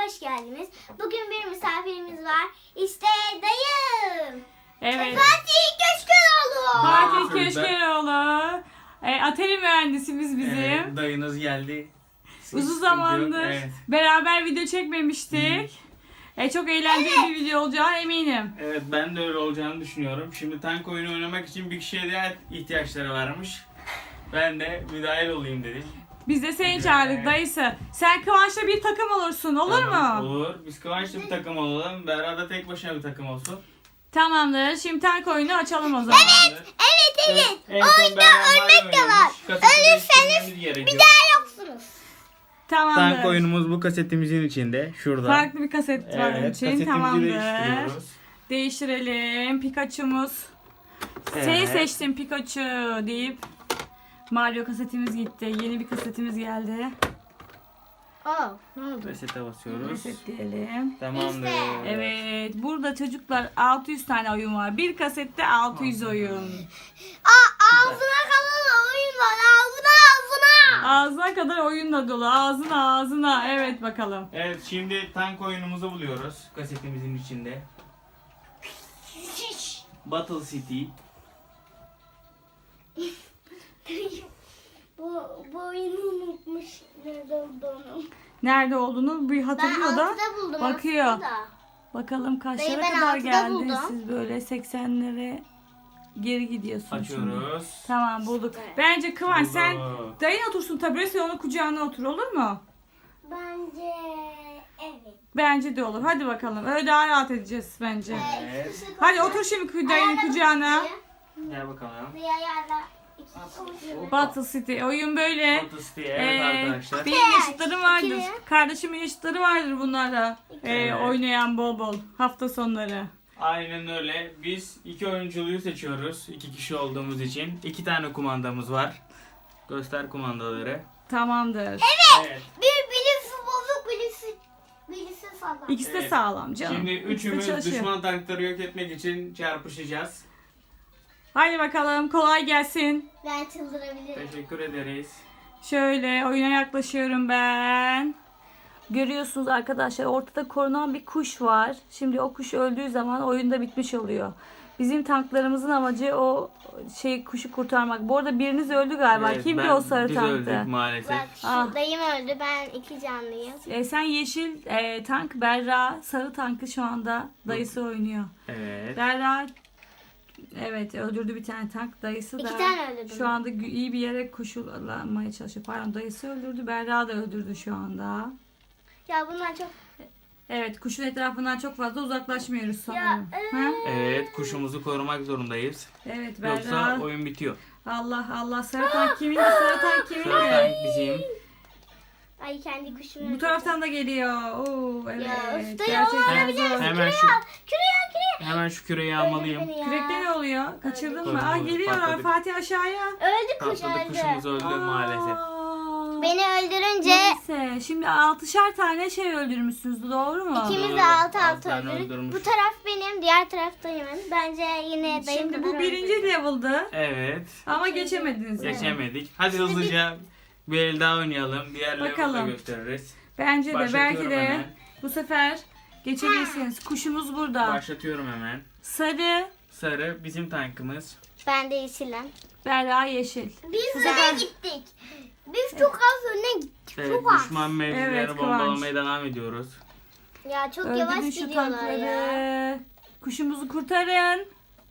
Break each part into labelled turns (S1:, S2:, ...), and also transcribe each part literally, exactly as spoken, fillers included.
S1: hoş geldiniz. Bugün bir misafirimiz var. İşte dayım.
S2: Evet.
S1: Fatih Köşkeroğlu.
S2: Fatih Köşkeroğlu. E, Atari mühendisimiz bizim.
S3: Evet, dayınız geldi.
S2: Uzun zamandır
S3: Evet.
S2: beraber video çekmemiştik. E, çok eğlenceli bir video olacağı eminim.
S3: Evet, ben de öyle olacağını düşünüyorum. Şimdi tank oyunu oynamak için bir kişiye daha ihtiyaçları varmış. Ben de müdahil olayım dedim.
S2: Biz de seni çağırdık dayısı. Sen Kıvanç'la bir takım olursun, olur
S3: Tamam,
S2: mu?
S3: Olur. Biz Kıvanç'la bir takım olalım. Berra da tek başına bir takım olsun.
S2: Tamamdır. Şimdi tank oyunu açalım o zaman.
S3: Evet.
S1: Evet evet.
S3: En son
S1: Oyunda
S3: Berra
S1: ölmek de var.
S3: oynamış. Kaseti değiştirmemiz
S1: Ölürseniz
S3: gerekiyor.
S1: bir daha yoksunuz.
S2: Tamamdır.
S3: Tank oyunumuz bu kasetimizin içinde. Şurada.
S2: Farklı bir kaset var
S3: Evet,
S2: için.
S3: kasetimizi
S2: Tamamdır.
S3: değiştiriyoruz.
S2: Değiştirelim. Pikachu'muz.
S3: Evet.
S2: Seni seçtim Pikachu deyip Mario kasetimiz gitti. Yeni bir kasetimiz geldi.
S1: Aa, ne oldu?
S3: Resete basıyoruz.
S2: Resetleyelim.
S3: Tamamdır.
S1: İşte.
S2: Evet. Burada çocuklar altı yüz tane oyun var. Bir kasette altı yüz oyun.
S1: Aa, ağzına kalan oyun var. Ağzına ağzına.
S2: Ağzına kadar oyunla dolu. Ağzına ağzına. Evet bakalım.
S3: Evet, şimdi tank oyunumuzu buluyoruz kasetimizin içinde. Battle City.
S1: bu, bu oyunu unutmuş. Nerede olduğunu.
S2: Nerede olduğunu bir
S1: Ben
S2: hatırlıyor da.
S1: altıda buldum.
S2: bakıyor.
S1: altıda.
S2: Bakalım kaçlara
S1: Dayı, ben
S2: kadar
S1: altıda
S2: geldiniz
S1: buldum.
S2: siz böyle seksenlere geri gidiyorsunuz şimdi.
S3: Açıyoruz.
S2: Tamam bulduk.
S1: Evet.
S2: Bence Kıvanç sen
S3: Bulduk.
S2: dayın otursun tabureye, sen onun kucağına otur, olur mu?
S1: Bence evet.
S2: Bence de olur. Hadi bakalım. Öyle daha rahat edeceğiz bence.
S3: Evet.
S2: Hadi otur şimdi dayının kucağına.
S3: Gel bakalım.
S1: Bir ayarla. İki-
S2: Battle City. Oyun böyle.
S3: Battle City, evet
S2: Ee,
S3: arkadaşlar.
S2: benim yaşıtlarım vardır.
S1: İkili.
S2: Kardeşimin yaşıtları vardır bunlarla. Ee,
S3: Evet.
S2: oynayan bol bol. Hafta sonları.
S3: Aynen öyle. Biz iki oyunculuğu seçiyoruz. İki kişi olduğumuz için. İki tane kumandamız var. Göster kumandaları.
S2: Tamamdır.
S3: Evet.
S1: Bir birisi bozuk birisi birisi sağlam.
S2: İkisi de
S3: Evet.
S2: sağlam canım.
S3: Şimdi
S2: İkisi de
S3: üçümüz
S2: çalışıyor.
S3: düşman tankları yok etmek için çarpışacağız.
S2: Hadi bakalım, kolay gelsin.
S1: Ben çıldırabilirim.
S3: Teşekkür ederiz.
S2: Şöyle oyuna yaklaşıyorum ben. Görüyorsunuz arkadaşlar, ortada korunan bir kuş var. Şimdi o kuş öldüğü zaman oyunda bitmiş oluyor. Bizim tanklarımızın amacı o şey kuşu kurtarmak. Bu arada biriniz öldü galiba.
S3: Evet,
S2: Kimdi
S3: ben-
S2: o sarı
S3: biz
S2: tanktı?
S3: öldük maalesef.
S1: Bak şu
S2: Ah.
S1: dayım öldü, ben iki canlıyım.
S2: E, sen yeşil e, tank, Berra sarı tankı şu anda dayısı oynuyor.
S3: Evet.
S2: Berra evet öldürdü bir tane tank, dayısı da
S1: İki tane öldürdüm.
S2: şu anda gü- iyi bir yere koşullamaya çalışıyor. Pardon, dayısı öldürdü, Berra da öldürdü şu anda.
S1: Ya bunlar çok...
S2: Evet, kuşun etrafından çok fazla uzaklaşmıyoruz
S1: Ya
S2: sanırım.
S1: evet.
S2: Ha?
S3: Evet, kuşumuzu korumak zorundayız.
S2: Evet
S3: Yoksa
S2: Berra.
S3: oyun bitiyor.
S2: Allah Allah, sarı tank kimin? Sarı tank kimin?
S3: Sarı tank bizim.
S1: Ay kendi kuşumu...
S2: Bu taraftan da geliyor. Oo evet.
S1: Ya, öf, dayı,
S2: Gerçekten
S1: olabilir
S2: zor.
S3: Hemen şu
S1: Küreye küreye.
S3: hemen şu küreyi almalıyım.
S1: Beni ya.
S2: Kürekte ne oluyor? Kaçırdın mı?
S3: Öldü.
S2: Aa geliyorlar
S3: Patladık.
S2: Fatih aşağıya.
S1: Öldü kuş
S3: Patladı,
S1: öldü.
S3: kuşumuz öldü
S2: Aa.
S3: maalesef.
S1: Beni öldürünce
S2: Neyse, şimdi altışar tane şey öldürmüşsünüz, doğru mu?
S1: ikimiz de
S3: Doğru.
S1: altı
S3: Altı
S1: altı
S3: tane
S1: öldürdük.
S3: öldürmüş.
S1: Bu taraf benim, diğer taraf dayımın. Bence yine dayım
S2: Şimdi
S1: kadar
S2: bu birinci
S1: öldürdü.
S2: level'dı
S3: Evet.
S2: ama geçemediniz. yani.
S3: Geçemedik. Hadi hızlıca bir el daha oynayalım. Diğer level'ı da
S2: Bakalım.
S3: gösteririz.
S2: Bence de belki
S3: Başlatıyorum
S2: de
S3: hemen.
S2: bu sefer geçebilirsiniz. Kuşumuz burada.
S3: Başlatıyorum hemen.
S2: Sarı,
S3: Sarı bizim tankımız.
S1: Ben de yeşilim.
S2: Berra yeşil.
S1: Biz öne gittik. Biz çok az öne gittik.
S3: Evet,
S1: Çok az.
S3: düşman mevzileri
S2: Evet, Kıvanç.
S3: bombalamaya devam ediyoruz.
S1: Ya çok
S2: Öldürün
S1: yavaş
S2: şu
S1: gidiyorlar
S2: tankları.
S1: ya.
S2: Kuşumuzu kurtarın.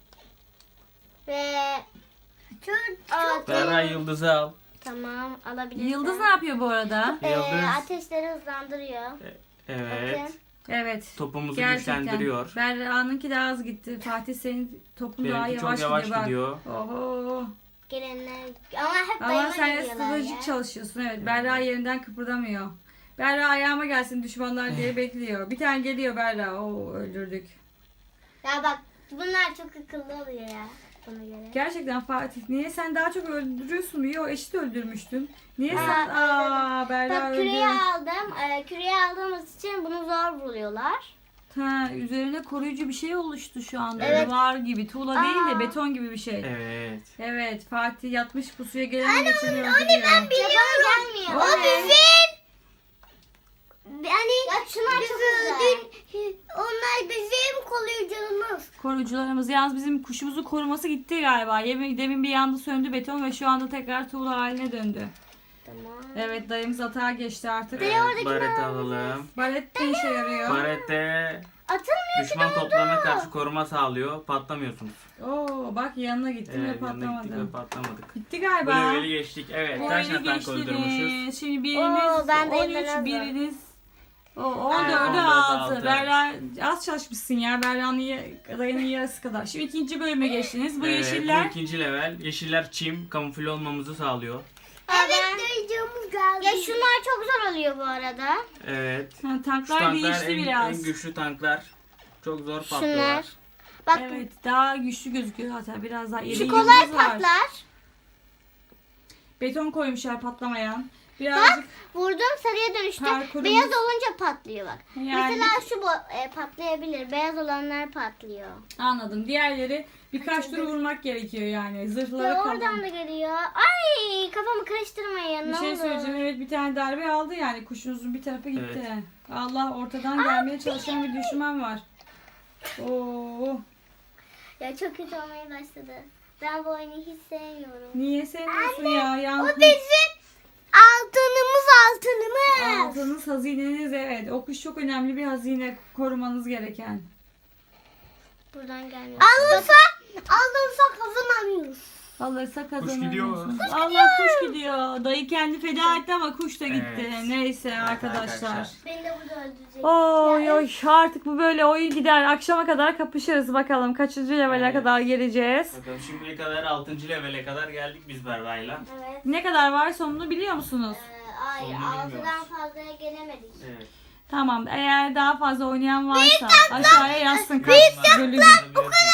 S1: Ve çok, çok
S3: Berra yıldızı al.
S1: Tamam, alabilirsin.
S2: Yıldız ne yapıyor bu arada?
S1: Ee,
S3: Yıldız.
S1: ateşleri hızlandırıyor.
S3: Evet.
S1: Bakın.
S2: Evet.
S3: Topumuzu
S2: Gerçekten.
S3: güçlendiriyor.
S2: Berra'nınki daha az gitti. Fatih senin topun daha
S3: Benimki
S2: yavaş,
S3: çok yavaş
S2: gidiyor.
S3: gidiyor.
S2: Bak. Oho.
S1: Gelenler ama hep
S2: Ama
S1: dayıma
S2: sen
S1: geliyorlar
S2: stratejik
S1: ya.
S2: çalışıyorsun. Evet. Berra yerinden kıpırdamıyor. Berra ayağıma gelsin düşmanlar diye bekliyor. Bir tane geliyor Berra. Oo öldürdük.
S1: Ya bak bunlar çok akıllı oluyor ya. Buna göre.
S2: Gerçekten Fatih, niye sen daha çok öldürüyorsun? Yo, eşit öldürmüştün. Niye
S1: Ha,
S2: sen? Aa Berra
S1: Bak
S2: öldü.
S1: küreği aldım. Ee, küreği aldığımız için bunu zor buluyorlar.
S2: Ha, üzerine koruyucu bir şey oluştu şu anda.
S1: Evet.
S2: Duvar gibi. Tuğla
S1: Aa.
S2: değil de beton gibi bir şey.
S3: Evet.
S2: Evet, Fatih yatmış pusuya gelen geçeni öldürüyor.
S1: Biliyorum. Gelmiyor.
S2: O
S1: O
S2: ne?
S1: bizim Yani ya şunlar çok güzel. Onlar bizim koruyucularımız.
S2: Korucularımız. Yalnız bizim kuşumuzu koruması gitti galiba. Yemin, demin bir yanda söndü beton ve şu anda tekrar tuğla haline döndü.
S1: Tamam.
S2: Evet, dayımız atağa geçti artık.
S3: Evet, baret alalım.
S2: Baret ne işe yarıyor?
S3: Barette
S1: Atılmıyor ki
S3: düşman
S1: ne oldu?
S3: toplarına karşı koruma sağlıyor. Patlamıyorsunuz.
S2: Oo, bak yanına gittim
S3: Evet,
S2: ve
S3: yanına gittik
S2: patlamadı.
S3: ve patlamadık.
S2: Gitti
S3: Bu
S2: galiba.
S3: leveli geçtik. Evet.
S2: Bu
S3: Kaç
S2: oyunu
S3: tane tank öldürmüşüz?
S2: geçtiniz. Şimdi biriniz
S1: Oo, ben de
S2: on
S1: elden
S2: üç,
S1: aldım.
S2: biriniz o
S3: Evet,
S2: on
S3: on
S2: dörde
S3: dörde
S2: altı.
S3: altı.
S2: Berra az çalışmışsın ya. Berra'nın ya- dayının yarısı kadar. Şimdi ikinci bölüme geçtiniz. Bu
S3: Evet,
S2: yeşiller.
S3: Bu ikinci level. Yeşiller çim. Kamufle olmamızı sağlıyor.
S1: Evet duyduğumuz geldi. Ya şunlar çok zor oluyor bu arada.
S3: Evet.
S2: Ha,
S3: Şu
S2: tanklar
S3: tanklar
S2: değişti
S3: en,
S2: biraz.
S3: en güçlü tanklar. Çok zor
S1: Şunlar.
S3: patlıyorlar.
S1: Bak
S2: Evet, daha güçlü gözüküyor hatta biraz daha iri
S1: şu
S2: yıldız
S1: kolay
S2: var.
S1: patlar.
S2: Beton koymuşlar patlamayan. Birazcık
S1: Vurdum sarıya dönüştü.
S2: Parkurumuz-
S1: Beyaz olunca patlıyor bak.
S2: Yani-
S1: Mesela şu bo- e, patlayabilir. Beyaz olanlar patlıyor.
S2: anladım. Diğerleri birkaç tur vurmak gerekiyor yani. Zırhları
S1: Ve
S2: kalın.
S1: oradan da geliyor. Ay kafamı karıştırmayın.
S2: Bir
S1: ne
S2: şey
S1: olur.
S2: söyleyeceğim. Evet, bir tane darbe aldı yani. Kuşunuzun bir tarafı gitti. Allah, ortadan gelmeye çalışan bir düşman var. Oo.
S1: Ya çok kötü olmaya başladı. Ben bu oyunu hiç sevmiyorum.
S2: Niye sevmiyorsun ya? Yalnız
S1: bizim altınımız altınımız.
S2: aldığınız hazineniz, evet. O kuş çok önemli bir hazine, korumanız gereken.
S1: Buradan gelmiyor. Alınsa, alınsa kazanamıyoruz.
S2: Alırsa
S3: gidiyor.
S2: kazanamıyorsunuz. Allah, kuş gidiyor. Dayı kendi feda etti ama kuş da gitti.
S3: Evet.
S2: Neyse
S3: Evet
S2: arkadaşlar.
S3: arkadaşlar.
S1: Beni de burada öldürecek.
S2: Oy oy, artık bu böyle oyun gider. Akşama kadar kapışırız bakalım. Kaçıncı levele
S3: Evet.
S2: kadar geleceğiz.
S3: Bakalım şimdiye kadar altıncı levele kadar geldik biz Berra'yla.
S1: Evet.
S2: Ne kadar var sonunu biliyor musunuz?
S1: Ee, hayır
S3: Onu
S1: altıdan
S3: bilmiyoruz.
S1: fazlaya gelemedik.
S3: Evet.
S2: Tamam. Eğer daha fazla oynayan varsa aşağıya yazsın kaç bölüm.
S3: Okuyorum.